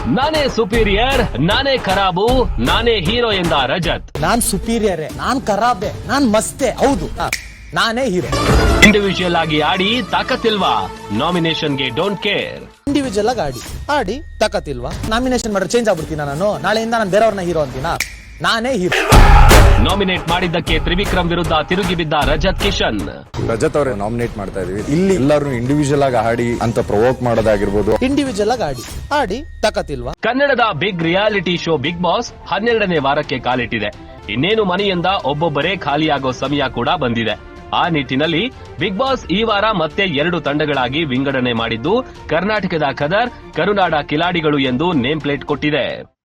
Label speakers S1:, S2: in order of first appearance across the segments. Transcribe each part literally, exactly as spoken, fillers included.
S1: ನಾನೇ ಸುಪೀರಿಯರ್, ನಾನೇ ಖರಾಬು, ನಾನೇ ಹೀರೋ ಎಂದ ರಜತ್.
S2: ನಾನ್ ಸುಪೀರಿಯರೇ, ನಾನ್ ಖರಾಬೆ, ನಾನ್ ಮಸ್ತೆ, ಹೌದು ನಾನೇ ಹೀರೋ.
S1: ಇಂಡಿವಿಜುವಲ್ ಆಗಿ ಆಡಿ ತಾಕತ್ತಿಲ್ವಾ? ನಾಮಿನೇಷನ್ಗೆ ಡೋಂಟ್ ಕೇರ್.
S2: ಇಂಡಿವಿಜುವಲ್ ಆಗಿ ಆಡಿ ಆಡಿ ತಾಕತ್ತಿಲ್ವಾ? ನಾಮಿನೇಷನ್ ಮಾಡಿದ್ರೆ ಚೇಂಜ್ ಆಗ್ಬಿಡ್ತೀನ ನಾನು? ನಾಳೆಯಿಂದ ನಾನು ಬೇರೆಯವ್ರನ್ನ ಹೀರೋ ಅಂತೀನ? ನಾನೇ ಹೀರೋ.
S1: ನಾಮಿನೇಟ್ ಮಾಡಿದ್ದಕ್ಕೆ ತ್ರಿವಿಕ್ರಮ್ ವಿರುದ್ಧ ತಿರುಗಿ ಬಿದ್ದ ರಜತ್ ಕಿಶನ್.
S3: ರಜತ್ ಅವರೇ ನಾಮಿನೇಟ್ ಮಾಡ್ತಾ ಇದೀವಿ. ಇಲ್ಲಿ ಎಲ್ಲರೂ ಇಂಡಿವಿಜುವಲ್ ಆಗಿ ಆಡಿ ಅಂತ ಪ್ರವೋಕ್ ಮಾಡೋದಾಗಿರ್ಬೋದು.
S2: ಇಂಡಿವಿಜುವಲ್ ಆಗಿ ಆಡಿ ಆಡಿ ತಾಕತ್ತಿಲ್ವಾ?
S1: ಕನ್ನಡದ big reality show Bigg Boss ಹನ್ನೆರಡನೇ ವಾರಕ್ಕೆ ಕಾಲಿಟ್ಟಿದೆ. ಇನ್ನೇನು ಮನೆಯಿಂದ ಒಬ್ಬೊಬ್ಬರೇ ಖಾಲಿಯಾಗೋ ಸಮಯ ಕೂಡ ಬಂದಿದೆ. ಆ ನಿಟ್ಟಿನಲ್ಲಿ ಬಿಗ್ ಬಾಸ್ ಈ ವಾರ ಮತ್ತೆ ಎರಡು ತಂಡಗಳಾಗಿ ವಿಂಗಡಣೆ ಮಾಡಿದ್ದು ಕರ್ನಾಟಕದ ಖದರ್, ಕರುನಾಡ ಕಿಲಾಡಿಗಳು ಎಂದು ನೇಮ್ ಪ್ಲೇಟ್ ಕೊಟ್ಟಿದೆ.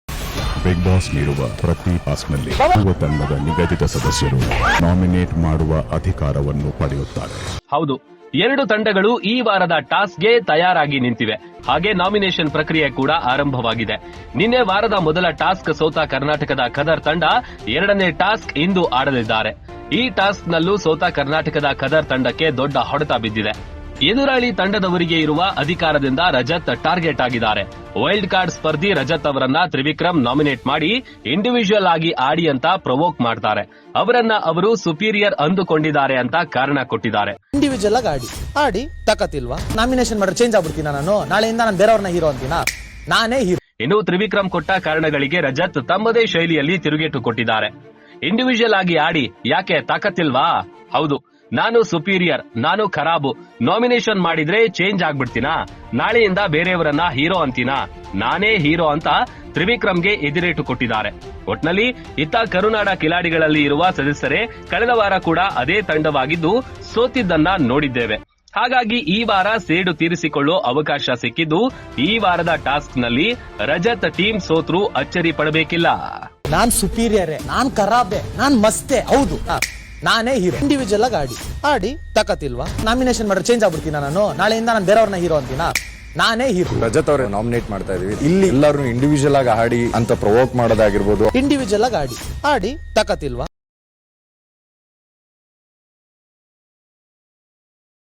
S4: ಬಿಗ್ ಬಾಸ್ ನೀಡುವ ಪ್ರತಿ ಟಾಸ್ಕ್ನಲ್ಲಿ ಯುವ ತಂಡದ ನಿಗದಿತ ಸದಸ್ಯರು ನಾಮಿನೇಟ್ ಮಾಡುವ ಅಧಿಕಾರವನ್ನು ಪಡೆಯುತ್ತಾರೆ.
S1: ಹೌದು, ಎರಡು ತಂಡಗಳು ಈ ವಾರದ ಟಾಸ್ಕ್ಗೆ ತಯಾರಾಗಿ ನಿಂತಿವೆ. ಹಾಗೆ ನಾಮಿನೇಷನ್ ಪ್ರಕ್ರಿಯೆ ಕೂಡ ಆರಂಭವಾಗಿದೆ. ನಿನ್ನೆ ವಾರದ ಮೊದಲ ಟಾಸ್ಕ್ ಸೋತ ಕರ್ನಾಟಕದ ಖದರ್ ತಂಡ ಎರಡನೇ ಟಾಸ್ಕ್ ಇಂದು ಆಡಲಿದ್ದಾರೆ. ಈ ಟಾಸ್ಕ್ನಲ್ಲೂ ಸೋತ ಕರ್ನಾಟಕದ ಖದರ್ ತಂಡಕ್ಕೆ ದೊಡ್ಡ ಹೊಡೆತ ಬಿದ್ದಿದೆ. ಎದುರಾಳಿ ತಂಡದವರಿಗೆ ಇರುವ ಅಧಿಕಾರದಿಂದ ರಜತ್ ಟಾರ್ಗೆಟ್ ಆಗಿದ್ದಾರೆ. ವೈಲ್ಡ್ ಕಾರ್ಡ್ ಸ್ಪರ್ಧಿ ರಜತ್ ಅವರನ್ನ ತ್ರಿವಿಕ್ರಮ್ ನಾಮಿನೇಟ್ ಮಾಡಿ ಇಂಡಿವಿಜುವಲ್ ಆಗಿ ಆಡಿ ಅಂತ ಪ್ರವೋಕ್ ಮಾಡ್ತಾರೆ. ಅವರನ್ನ ಅವರು ಸುಪೀರಿಯರ್ ಅಂದುಕೊಂಡಿದ್ದಾರೆ ಅಂತ ಕಾರಣ ಕೊಟ್ಟಿದ್ದಾರೆ.
S2: ಇಂಡಿವಿಜುವಲ್ ಆಗಿ ಆಡಿ ಆಡಿ ತಾಕತ್ತಿಲ್ವಾ? ನಾಮಿನೇಷನ್ ಮಾಡಿದ್ರೆ ಚೇಂಜ್ ಆಗ್ಬಿಡ್ತೀನ ನಾನು? ನಾಳೆಯಿಂದ ನಾನು ಬೇರೆಯವ್ರನ್ನ ಹೀರೋ ಅಂತೀನ? ನಾನೇ ಹೀರೋ.
S1: ಇನ್ನು ತ್ರಿವಿಕ್ರಮ್ ಕೊಟ್ಟ ಕಾರಣಗಳಿಗೆ ರಜತ್ ತಮ್ಮದೇ ಶೈಲಿಯಲ್ಲಿ ತಿರುಗೇಟು ಕೊಟ್ಟಿದ್ದಾರೆ. ಇಂಡಿವಿಜುವಲ್ ಆಗಿ ಆಡಿ ಯಾಕೆ ತಾಕತ್ತಿಲ್ವಾ? ಹೌದು, ನಾನು ಸುಪೀರಿಯರ್, ನಾನು ಖರಾಬು. ನಾಮಿನೇಷನ್ ಮಾಡಿದ್ರೆ ಚೇಂಜ್ ಆಗ್ಬಿಡ್ತೀನಾ? ನಾಳೆಯಿಂದ ಬೇರೆಯವರನ್ನ ಹೀರೋ ಅಂತೀನಾ? ನಾನೇ ಹೀರೋ ಅಂತ ತ್ರಿವಿಕ್ರಮ್ಗೆ ಎದಿರೇಟು ಕೊಟ್ಟಿದ್ದಾರೆ. ಒಟ್ನಲ್ಲಿ ಇತ್ತ ಕರುನಾಡ ಕಿಲಾಡಿಗಳಲ್ಲಿ ಇರುವ ಸದಸ್ಯರೇ ಕಳೆದ ವಾರ ಕೂಡ ಅದೇ ತಂಡವಾಗಿದ್ದು ಸೋತಿದ್ದನ್ನ ನೋಡಿದ್ದೇವೆ. ಹಾಗಾಗಿ ಈ ವಾರ ಸೇಡು ತೀರಿಸಿಕೊಳ್ಳೋ ಅವಕಾಶ ಸಿಕ್ಕಿದ್ದು ಈ ವಾರದ ಟಾಸ್ಕ್ನಲ್ಲಿ ರಜತ್ ಟೀಮ್ ಸೋತ್ರು ಅಚ್ಚರಿ ಪಡಬೇಕಿಲ್ಲ.
S2: ನಾನ್ ಸುಪೀರಿಯರೇ, ನಾನ್ ಖರಾಬೆ, ನಾನ್ ಮಸ್ತೆ, ಹೌದು ನಾನೇ ಹೀರೋ. ಇಂಡಿವಿಜುವಲ್ ಆಗಿ ಆಡಿ ಆಡಿ ತಾಕತ್ತಿಲ್ವಾ? ನಾಮಿನೇಷನ್ ಮಾಡಿದ್ರೆ ಚೇಂಜ್ ಆಗ್ಬಿಡ್ತೀನ ನಾನು? ನಾಳೆಯಿಂದ ನಾನು ಬೇರೆಯವ್ರನ್ನ ಹೀರೋ ಅಂತೀನ? ನಾನೇ ಹೀರೋ.
S3: ರಜತ್ ಅವರೇ ನಾಮಿನೇಟ್ ಮಾಡ್ತಾ ಇದೀವಿ. ಇಲ್ಲಿ ಎಲ್ಲರೂ ಇಂಡಿವಿಜುವಲ್ ಆಗಿ ಆಡಿ ಅಂತ ಪ್ರವೋಕ್ ಮಾಡೋದಾಗಿರ್ಬೋದು.
S2: ಇಂಡಿವಿಜುವಲ್ ಆಗಿ ಆಡಿ ಆಡಿ ತಾಕತ್ತಿಲ್ವಾ?